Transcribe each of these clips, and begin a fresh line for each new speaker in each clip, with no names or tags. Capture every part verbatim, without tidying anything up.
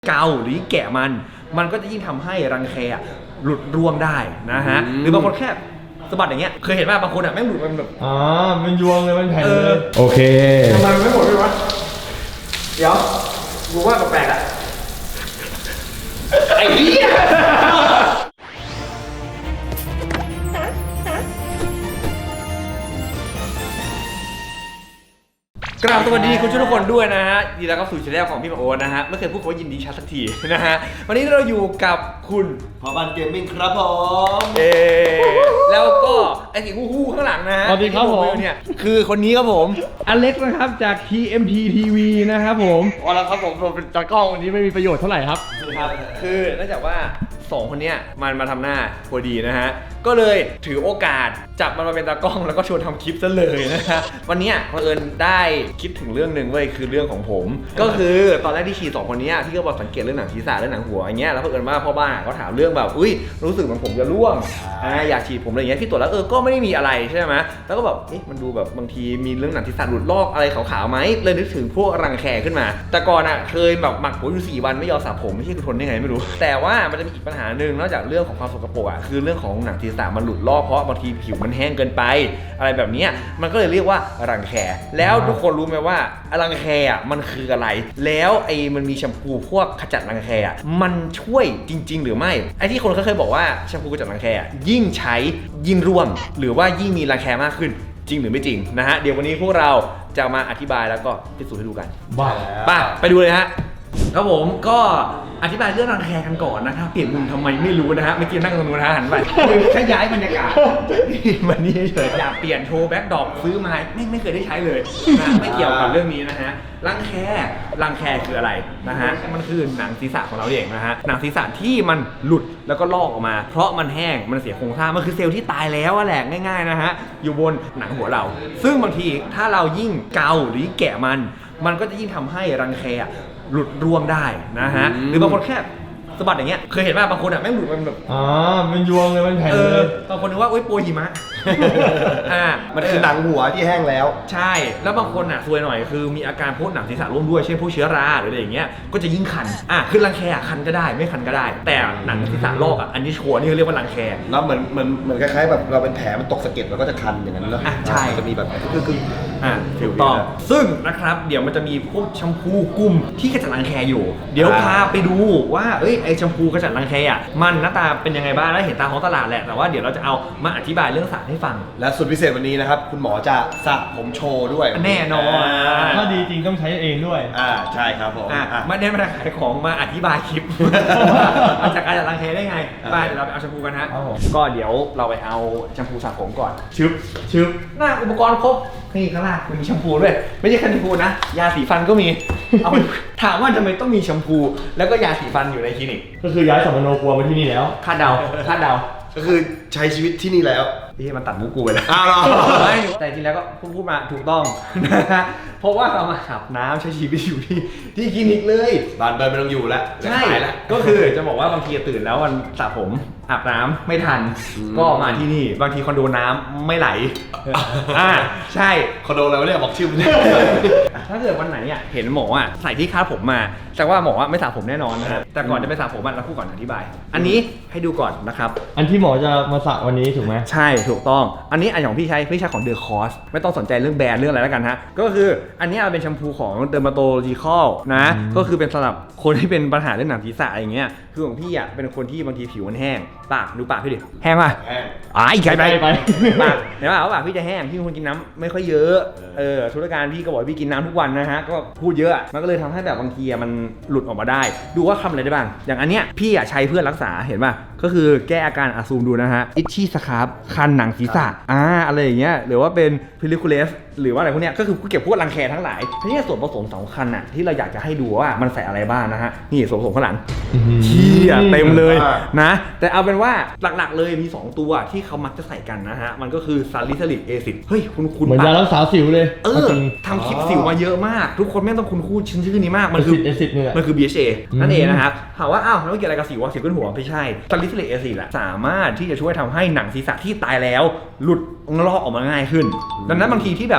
เกาหรือแกะมันมันก็จะยิ่งทำให้รังแคหลุดร่วงได้นะฮะหรือบางคนแค่สะบัดอย่างเงี้ยเคยเห็นว่าบางคนอ่ะแม่งหลุดมันแบบ
อ๋อมันยวงเลยมันแผ่นเลยโอเค
ทำไมมันไม่หมดเลยวะเดี๋ยวกูว่าแปลกๆอ่ะไอ้เหี้ยกราบสวัสดีคุณทุกคนด้วยนะฮะยินดีต้อนรับสู่ช่องของพี่มาโอ๊ตนะฮะไม่เคยพูดคำว่ายินดีชัดสักทีนะฮะวันนี้เราอยู่กับคุณ
พอบันเกมมิ่งครับผม
เอแล้วก็ไอ้สีฮู้ๆข้างหลังนะฮะ
สวัสดีครับผม
เนี่ยคือคนนี้ครับผม
อเล็กซ์นะครับจาก ที เอ็ม ที ที วี นะครับผมอ๋อแล้วครับผมผมเป็นตากล้องวันนี้ไม่มีประโยชน์เท่าไหร่ครับ
ครับคือเนื่องจากว่าสองคนเนี้ยมันมาทำหน้าพอดีนะฮะก็เลยถือโอกาสจับมันมาเป็นตากล้องแล้วก็ชวนทำคลิปซะเลยนะฮะวันนี้เผอิญได้คิดถึงเรื่องหนึ่งเว้ยคือเรื่องของผมก็คือตอนแรกที่ขี่สองคนนี้ที่ก็บอกสังเกตเรื่องหนังศีรษะเรื่องหนังหัวอย่างเงี้ยแล้วเผอิญว่าพ่อบ้านเขาถามเรื่องแบบอุ้ยรู้สึกเหมือนผมจะร่วงอ่าอยากฉีดผมอะไรอย่างเงี้ยที่ตรวจแล้วเออก็ไม่ได้มีอะไรใช่ไหมแล้วก็แบบเอ๊ะมันดูแบบบางทีมีเรื่องหนังศีรษะหลุดลอกอะไรขาวๆไหมเลยนึกถึงพวกรังแคขึ้นมาแต่ก่อนอ่ะเคยแบบหมักผมอยู่สี่วันไม่ยอมสระผมไม่ใช่กูทนได้ไงไม่รู้แต่ว่ามันจะมีอีกปัญหาหนึ่งนอกจากเรื่องของความสกปรกอ่ะคือเรื่องของหนังศีรษะมันหลุดลอกเพราะบางทีผิวมันแห้งเกินไปอะไรแบบนี้มันก็เลยเรียกว่ารังแคแล้วทุกคนรู้ไหมว่ารังแคอ่ะมันคืออะไรแล้วไอ้มันมีแชมพูพวกขจัดรังแคอ่ะมันช่วยจริงๆหรือไม่ไอ้ที่คนเขาเคยบอกว่าแชมพูขจัดรังแคอ่ะยิ่งใช้ยิ่งร่วงหรือว่ายิ่งมีรังแคมากขึ้นจริงหรือไม่จริงนะฮะเดี๋ยววันนี้พวกเราจะมาอธิบายแล้วก็พิสูจน์ให้ดูกัน
บ้า
ป่ะไปดูเลยฮะครับผมก็อธิบายเรื่องรังแคกันก่อนนะครับเปลี่ยนมุมทำไมไม่รู้นะฮะเมื่อกี้นั่งตรงนู้นนะหันไปแค่ย้ายบรรยากาศวันนี้เฉยอยากเปลี่ยนโชว์แบ็คดรอปซื้อมาไม่ไม่เคยได้ใช้เลยนะไม่เกี่ยวกับเรื่องนี้นะฮะรังแครังแคคืออะไรนะฮะมันคือหนังศีรษะของเราเองนะฮะหนังศีรษะที่มันหลุดแล้วก็ลอกออกมาเพราะมันแห้งมันเสียโครงสร้างมันคือเซลล์ที่ตายแล้วแหละง่ายๆนะฮะอยู่บนหนังหัวเราซึ่งบางทีถ้าเรายิ่งเกาหรือแกะมันมันก็จะยิ่งทำให้รังแคหลุดร่วงได้นะฮะหรือบางคนแค่สะบัดอย่างเงี้ยเคยเห็นว่าบางคนอ่ะแม่งหลุดมันแบบ
อ๋อมันยวงเลยมันแผ่นเลย
บางคนนึกว่าโอ๊ยโปรหิมะอ่า
มันคือหนังหัวที่แห้งแล้ว
ใช่แล้วบางคนอ่ะซวยหน่อยคือมีอาการพวกหนังศีรษะร่วมด้วยเช่นพวกเชื้อราหรืออะไรอย่างเงี้ยก็จะยิ่งคันอ่ะคือรังแคคันก็ได้ไม่คันก็ได้แต่หนังศีรษะลอกอ่ะอันนี้ชัวร์นี่เขาเรียกว่ารังแค
แล้วเหมือนเหมือนเหมือนคล้ายๆแบบเราเป็นแผลมันตกสะเก็ดเราก็จะคันอย่างนั้นแล้ว
อ่ะใช่
จะมีแบบคือคือ
อ่ะถูกต้องซึ่งนะครับเดี๋ยวมันจะมีพวกแชมพูกลุ่มที่ขจัดรังแคอยู่เดี๋ยวพาไปดูว่าเอ้ยไอแชมพูขจัดรังแคอ่ะมันหน้าตาเป็นยังไงบ้างแล้วเห็นตามท้องตลาดแหละแต่ว่าเดี๋ยวเราจะเอามาอธิบายเรื่องสารให้ฟัง
และสุดพิเศษวันนี้นะครับคุณหมอจะสระผมโชว์ด้วย
แน่นอน
ถ้าดีจริงต้องใช้เองด้วย
อ่าใช่ครับผม
ไม่ได้มาขายของมาอธิบายคลิปมาจากการจัดรังแคได้ไงไปเดี๋ยวเราไปเอาแชมพูกันฮะก็เดี๋ยวเราไปเอาแชมพูสระผมก่อนชึบชึบหน้าอุปกรณ์ครบนี่ข้างล่างมีแชมพูด้วยไม่ใช่แค่แชมพูนะยาสีฟันก็มีเอาถามว่าทำไมต้องมีแชมพูแล้วก็ยาสีฟันอยู่ในคลินิก
ก็คือย้ายสัมมโนครัวมาที่นี่แล้ว
คาดเดาคาดเดา
ก็คือใช้ชีวิตที่นี่แล้ว
ที่มันตัดมุกกูไปแล้ว
อ้าว
ไม่แต่จริงแล้วก็พูดมาถูกต้องนะฮะเพราะว่าเรามาอาบน้ำใช้ชีวิตอยู่ที่ที่คลินิกเลย
บ้านเบิร์นไม่ต้องอยู่แล้ว
ใช่ก็คือจะบอกว่าบางทีตื่นแล้ววันสระผมอาบน้ำไม่ทันก็มาที่นี่บางทีคอนโดน้ำไม่ไหลอ่าใช่
คอนโดอะไรวะเนี่ยบอกชื่อมัน
ถ้าเกิดวันไหนอ่ะเห็นหมออ่ะใส่ที่คาดผมมาแต่ว่าหมอไม่สระผมแน่นอนนะแต่ก่อนจะไปสระผมเราพูดก่อนอธิบายอันนี้ให้ดูก่อนนะครับ
อันที่หมอจะมาสระวันนี้ถูกไหม
ใช่ถูกต้องอันนี้อันของพี่ใช้พี่ใช้ของเดอะคอสไม่ต้องสนใจเรื่องแบรนด์เรื่องอะไรแล้วกันฮะก็คืออันนี้เป็นแชมพูของเดอร์มาโตโลจิคอลนะก็คือเป็นสำหรับคนที่เป็นปัญหาเรื่องหนังศีรษะอย่างเงี้ยคือของพี่อ่ะเป็นคนที่บางทีผิวมันแห้งปากดูปากพี่ดิแห้งป่ะ
แห้ง
อ่ะอีกใครไปไปปากเห็นป่ะว่าปากพี่จะแห้งพี่เป็นคนกินน้ำไม่ค่อยเยอะเออธุรการพี่ก็บอกพี่กินน้ำทุกวันนะฮะก็พูดเยอะมันก็เลยทำให้แบบบางทีมันหลุดออกมาได้ดูว่าทำอะไรได้บ้างอย่างอันเนี้ยพี่อ่ะใช้เพื่อรักษาเห็นป่ะก็คือแก้อาการอาซูมดูนะฮะอิชชี่สครับคันหนังศีรษะอ่าอะไรอย่างเงี้ยหรือว่าเป็นพิลิคูเลสหรือว่าอะไรพวกเนี้ยก็คือเก็บพวกรังแคทั้งหลายทีนี้ส่วนผสมสำคัญอ่ะที่เราอยากจะให้ดูว่ามันใส่อะไรบ้างนะฮะนี่ส่วนผสมข้างหลังเชี่ยเต็มเลยนะแต่เอาเป็นว่าหลักๆเลยมีสองตัวที่เขามักจะใส่กันนะฮะมันก็คือซาลิซิลิกแอซิดเฮ้ยคุณคุณ
เหมือนยารักษาสิวเลย
เออทำคลิปสิวมาเยอะมากทุกคนไม่ต้องคุณคู่ชื่อชื่อนี้มากมันคือมันคือ บี เอช เอ นั่นเองนะครับถามว่าอ้าวแล้วเกี่ยวอะไรกับสิวสิวขึ้นหัวไม่ใช่ซาลิซิลิกแอซิดอะสามารถที่จะช่วยทำให้หนังศีรษะที่ตายแล้วหลุดลอกออกมาง่ายขึ้นดังนั้นบางทีที่แบบ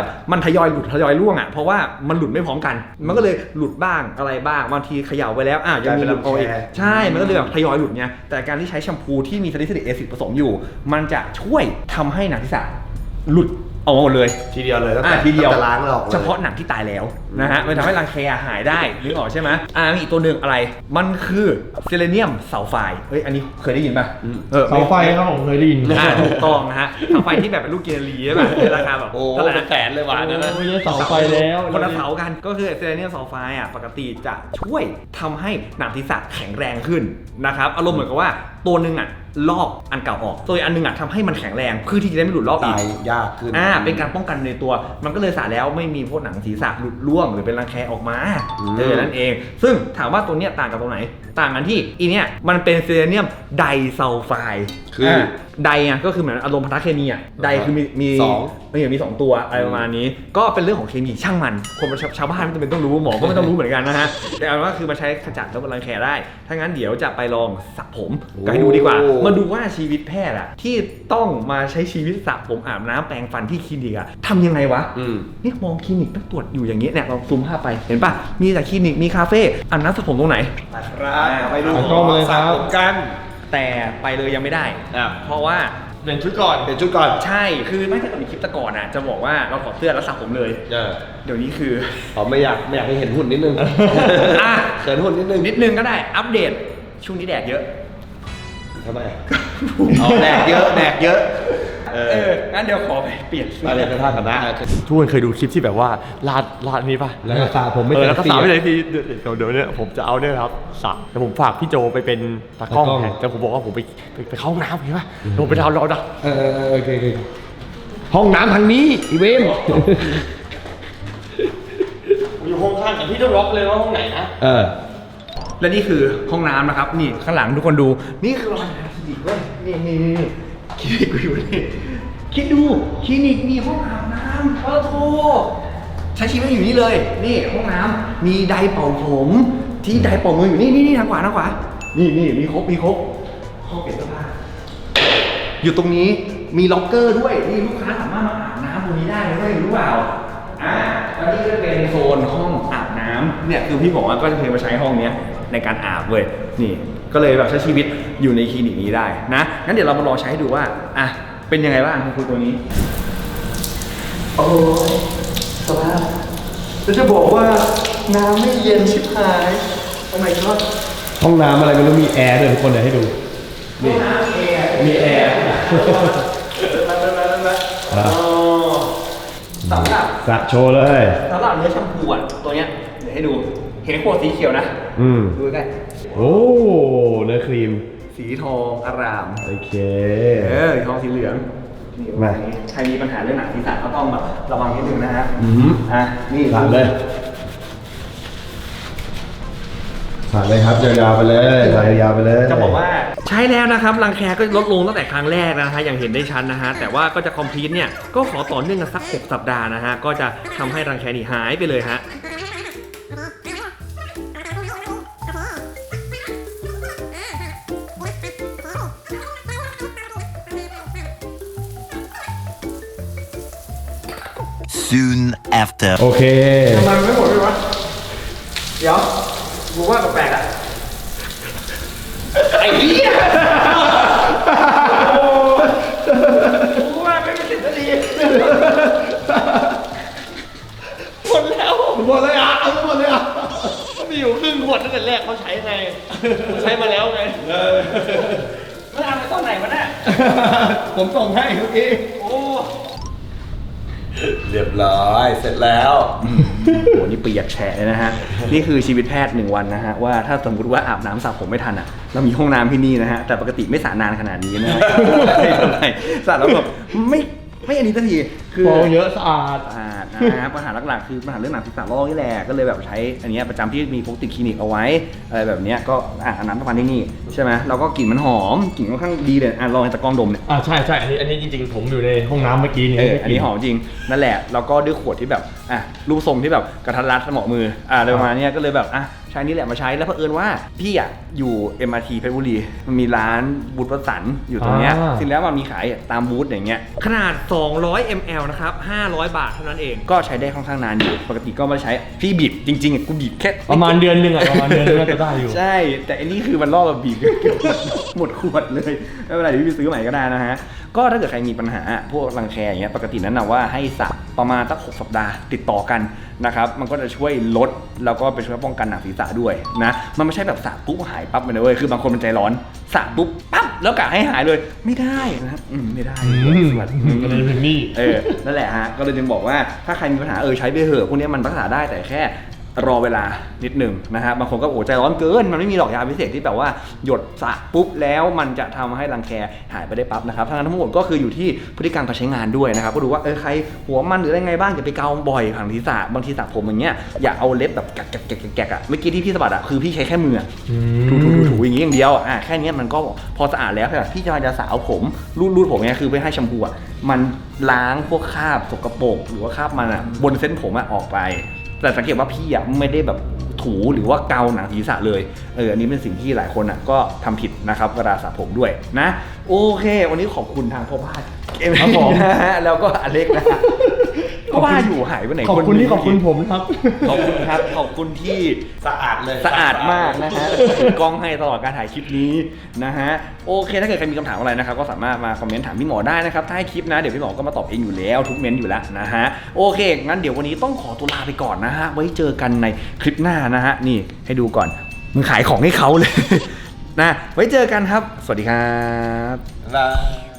แบบมันทยอยหลุดทยอยร่วงอ่ะเพราะว่ามันหลุดไม่พร้อมกันมันก็เลยหลุดบ้างอะไรบ้างบางทีเขย่าไปแล้วอ่ะยังมีหลุดเอาอีกใช่มันก็เลยแบบทยอยหลุดไงแต่การที่ใช้แชมพูที่มีซาลิซิลิกแอซิดผสมอยู่มันจะช่วยทำให้หนังศีรษะหลุดออกมาหมดเลย
ทีเดียวเลยตั้ง
อ่ะ
แต่
ทีเดียว
ตั้งแต่ล้างแล้วออกเลย
เฉพาะหนังที่ตายแล้วนะฮะมันทำให้รังแคหายได้นึกออกใช่ไหมอ่ามีอีกตัวหนึ่งอะไรมันคือเซเลเนียมซัลไฟด์เฮ้ยอันนี้เคยได้ยินป่ะออ
เสาไฟครับผมเคยได้ยิน
อ่าถูกต้องนะฮะเสาไฟที่แบบเป็นลูกเกลีใช่ป่ะในราคาแบบ
โอ้
เท่าไหร่
เป็น
นะ
แสนเลยว่ะนั่นนะ
ไม่ใช่เสาไฟแล้ว
คนละเสากันก็คือเซเลเนียมซัลไฟด์อ่ะปกติจะช่วยทำให้หนังศีรษะแข็งแรงขึ้นนะครับอารมณ์เหมือนกับว่าตัวหนึ่งอ่ะลอกอันเก่าออกตัวอีกอันหนึงอ่ะทำให้มันแข็งแรงเพื่อที่จะได้ไม่หลุดลอกอี
ตาก ยยากขึ้น
อ่าเป็นการป้องกันในตัวมันก็เลยสาแล้วไม่มีพวกหนังศีรษะหลุดร่วงหรือเป็นรังแคออกมา
อืม
เออนั่นเอง ซึ่งถามว่าตัวเนี้ยต่างกับตรงไหน ต่างกันที่อีเนี้ยมันเป็นเซเลเนียมไดซัลไฟด์
คืออ่
าไดอ่ะก็คือเหมือนอารมณ์พันธเคมีอ่ะไดคือมีมี
สอง
ไม่อย่างมีสองตัวอะไรประมาณนี้ ก็เป็นเรื่องของเคมีช่างมันคนชาวชาวบ้านไม่จำเป็นต้องรู้หมอก็ไม่ต้องรู้เหมือนกันนะฮะแต่เอาเป็นว่าคือมาใช้ขจัดแล้วรังแคได้ถ้างั้นเดี๋ยวจะไปลองสระผมกันให้ดูดีกว่ามาดูว่าชีวิตแพทย์อะที่ต้องมาใช้ชีวิตสระผมอาบน้ำแปรงฟันที่คลินิกอะทำยังไงวะ
อืม
นี่มองคลินิกต้องตรวจอยู่อย่างนี้เนี่ยเราซูมภาพไปเห็นป่ะมีแต่คลินิกมีคาเฟ่อาบน้ำสระผมตรงไหน
ครับไปดู
เอากล้องมาเลยครับ
สะผมกัน
แต่ไปเลยยังไม่ได้
อ่ะ
เพราะว่า
เปลี่ยนชุดก่อนเปลี่ยนชุดก่อน
ใช่คือไม่ถ้าเกิดมีคลิปแตะก่อนอะจะบอกว่าเราถอดเสื้อแล้วสระผมเลย
เออ
เดี๋ยวนี้คือ
ผมไม่อยากไม่อยากให้เห็นหุ่นนิดนึง
อ่ะ
เขินหุ่นนิดนึง
นิดนึงก็ได้อัปเดตช่วงนี้แดดเยอะ
ทำไมอ๋อแดกเยอะแดกเยอะ เอ
เอ
อ
องั้นเดี๋ยวขอไปเปลี่ยนเสื้อ
มาเรียนไปท่ากันนะ
ทุกคนเคยดูคลิปที่แบบว่าลาดลาดนี้ป่ะ
แล้วก็สระผมไม่
เออแล้วก็
เต็ม
สา
ที่
ไม่เลยทีเดี๋ยวเดี๋ยวเนี่ยผมจะเอาเนี่ยครับสระแต่ผมฝากพี่โจไปเป็นตากล้อง
ตากล้อง
แทนแต่ผมบอกว่าผมไปไปไปเข้าห้องน้ำเห็นป่ะเดี๋ยวผมไปดาวน์รอดัก
เออเออเออโอเคโอเคห้องน้ำทางนี้อีเวน
อยู่ห้องข้างแต่พี่ต้องล็อกเลยว่าห้องไหนนะ
เออ
และนี่คือห้องน้ำนะครับ นี่ข้างหลังทุกคนดู นี่คือรอยคลินิกเว้ยนี่นี่นี่คลินิกกูอยู่นี่คิดดูคลินิกมีห้องอาบน้ำเออโธ่ใช้ชีวิตอยู่นี่เลย นี่ห้องน้ำมีไดร์เป่าผม ที่ไดร์เป่ามืออยู่นี่นี่นี่ทางขวาทางขวานี่นี่มีครบมีครบห้องเปลี่ยนเสื้อผ้าอยู่ตรงนี้มีล็อกเกอร์ด้วยนี่ลูกค้าสามารถมาอาบน้ำตรงนี้ได้เลยรู้เปล่าอ่าแล้วนี่ก็เป็นโซนห้องอาบน้ำเนี่ยคือพี่บอกว่าก็จะเคยมาใช้ห้องเนี้ยในการอาบเว้ยนี่ก็เลยแบบใช้ชีวิตอยู่ในคลินิกนี้ได้นะงั้นเดี๋ยวเรามาลองใช้ให้ดูว่าอ่ะเป็นยังไงบ้างคุณตัวนี้โอ้สภาพจะบอกว่าน้ำไม่เย็นชิบหายโอ้ my god
ห้องน้ำอะไรไม่รู้มีแอร์ด้วยทุกคนเดี๋ยวให้ดู
ห้องน้ำแอร์มีแอร์มาเลยมาเลยมาอ๋อสำหรับ
สระโชว์เลย
สำหรับเนื้อแชมพูอ่ะตัวเนี้ยเดี๋ยวให้ดู เห็นขวดสีเขียวนะ
อืม
ดูใกล้
โอ้เนื้อครีม
สีทองอาราม
โอเค
เออสีทองสีเหลืองนี่
มา
ใครมีปัญหาเรื่องหนังศีรษะก็ต้องแบบระวังนิดนึงนะฮะ
อืม
อ่ะนี่
สระเลยสระเลยครับยาวๆไปเลยสระยาวๆไปเลย
จะบอกว่าใช้แล้วนะครับรังแคก็ลดลงตั้งแต่ครั้งแรกนะฮะอย่างเห็นได้ชัดนะฮะแต่ว่าก็จะคอมพลีทเนี่ยก็ขอต่อเนื่องกันสักหกสัปดาห์นะฮะก็จะทำให้รังแคนี่หายไปเลยฮะ
Soon after.
โอเค
ทำไมมันไม่หมดเลยวะเดี๋ยวกูว่าแปลกๆอ่ะไอ้เหี้ยโอ้กูว่าไม่เป็นสิทธิ์ดีหมดแล้ว
หมดเลยอ่ะเอาหมดเลยอ่ะ
ก็มีอยู่ครึ่งขวดตั้งแต่แรกเขาใช้ไงใช้มาแล้วไง
เมื่อเอาไปตอนไหนวะเนี่ย
ผมส่งให้เมื่อกี้
โอ้
เรียบร้อยเสร็จแล้ว
โหนี่เปียกแฉะเลยนะฮะ นี่คือชีวิตแพทย์หนึ่งวันนะฮะว่าถ้าสมมติว่าอาบน้ำสระผมไม่ทันอ่ะเรามีห้องน้ำที่นี่นะฮะแต่ปกติไม่สระนานขนาดนี้นะฮะ ไม่เท่าไหร่สระแล้วแบบไม่ไม่อันนี้สักทีคือ
ฟองเยอะสะอาด
สะอาดนะฮะปัญหาหลักๆคือปัญหาเรื่องหนังศีรษะลอกนี่แหละก็เลยแบบใช้อันเนี้ยประจำที่มีพกติดคลินิกเอาไว้อะไรแบบเนี้ยก็อ่ะอาบน้ำทุกวันที่นี่ใช่ไหมเราก็กลิ่นมันหอมกลิ่นค่อนข้างดีเลยอ่ะลองให้ตะกล้องดมเนี่ย
อ่าใช่ใช่อันนี้อันนี้จริงๆ ผมอยู่ในห้องน้ำเมื่อกี้นี้
เอออันนี้หอมจริงนั่นแหละแล้วก็ด้วยขวดที่แบบอ่ะรูปทรงที่แบบกระทัดรัดเหมาะมืออ่ะอะไรประมาณเนี้ยก็เลยแบบอ่ะใช้นี่แหละมาใช้แล้วเผอิญว่าพี่อ่ะอยู่ เอ็ม อาร์ ที เพชรบุรีมันมีร้านบูธวสันต์อยู่ตรงเนี้ย
อ่า
จริงแล้วมันมีขายตามบูธอย่างเงี้ยขนาดสองร้อยมิลลิลิตรนะครับห้าร้อยบาทเท่านั้นเองก็ใช้ได้ค่อนข้างนานอยู่ปกติก็ไม่ใช้พี่บีบจริงๆอ่ะกูบีบแค่
ประมาณเดือนหนึ่งอะประมาณเดือนหนึงน่าจะได้อยู่
ใช่แต่อันนี้คือมันล่อแบบบีบเกือบหมดขวดเลยไม่เป็นไรเดี๋ยวพี่ไปซื้อใหม่ก็ได้นะฮะก็ถ้าเกิดใครมีปัญหาพวกรังแคอย่างเงี้ยปกตินั้นนะว่าให้สระประมาณสักหกสัปดาห์ติดต่อกันนะครับมันก็จะช่วยลดแล้วก็ไปช่วยป้องกันหนังศีรษะด้วยนะมันไม่ใช่แบบสระปุ๊บหายปั๊บเลยนะเว้ยคือบางคนมันใจร้อนสระปุ๊บปั๊บแล้วกะให้หายเลยไม่ได้นะครับอืมไม่ได้
อืม
สวัสดี
ก็เลยถึงนี่
เออนั่นแหละฮะก็เลยจึงบอกว่าถ้าใครมีปัญหาเออใช้ไปเถอะพวกนี้มันรักษาได้แต่แค่รอเวลานิดหนึ่งนะฮะบางคนก็โอ้ใจร้อนเกินมันไม่มีหรอกยาพิเศษที่แบบว่าหยดสระปุ๊บแล้วมันจะทำให้รังแคหายไปได้ปั๊บนะครับทั้งนั้นทั้งหมดก็คืออยู่ที่พฤติกรรมการใช้งานด้วยนะครับก็ดูว่าเออใครหัวมันหรืออะไรไงบ้างอย่าไปเกาบ่อยผังศีรษะบางทีสระผมอย่างเงี้ยอย่าเอาเล็บแบบแกะแกะแกะแกะอ่ะเมื่อกี้ที่พี่สะบัดอ่ะคือพี่ใช้แค่มือถูถูถูถูอย่างงี้อย่างเดียวอ่ะแค่นี้มันก็พอสะอาดแล้วค่ะพี่จะจะสาวผมรูดรูดผมเนี่ยคือไปให้แชมพูอ่ะมันล้างพวกคราบสกปรกหรือว่าคราบมันอ่ะบนเส้นผมอ่ะออกไปแต่สังเกตว่าพี่อ่ะไม่ได้แบบถูหรือว่าเกาหนังศีรษะเลยเอออันนี้เป็นสิ่งที่หลายคนอ่ะก็ทำผิดนะครับเวลาสระผมด้วยนะโอเควันนี้ขอบคุณทางพ่อบ้านเกม
ครับผม
นะฮะแล้วก็อเล็กนะฮะก็ว่าอยู่หายไปไหน
ขอบคุณที่ขอบคุณผมครับ
ขอบคุณครับขอบคุณที่
สะอาดเลย
สะอาดมากนะฮะถือกล้องให้ตลอดการถ่ายคลิปนี้นะฮะโอเคถ้าเกิดใครมีคำถามอะไรนะครับก็สามารถมาคอมเมนต์ถามพี่หมอได้นะครับถ้าให้คลิปนะเดี๋ยวพี่หมอก็มาตอบเองอยู่แล้วทุกเมนต์อยู่แล้วนะฮะโอเคงั้นเดี๋ยววันนี้ต้องขอตัวลาไปก่อนนะฮะไว้เจอกันในคลิปหน้านะฮะนี่ให้ดูก่อนมึงขายของให้เขาเลย นะไว้เจอกันครับสวัสดีครับ
บ๊ายบาย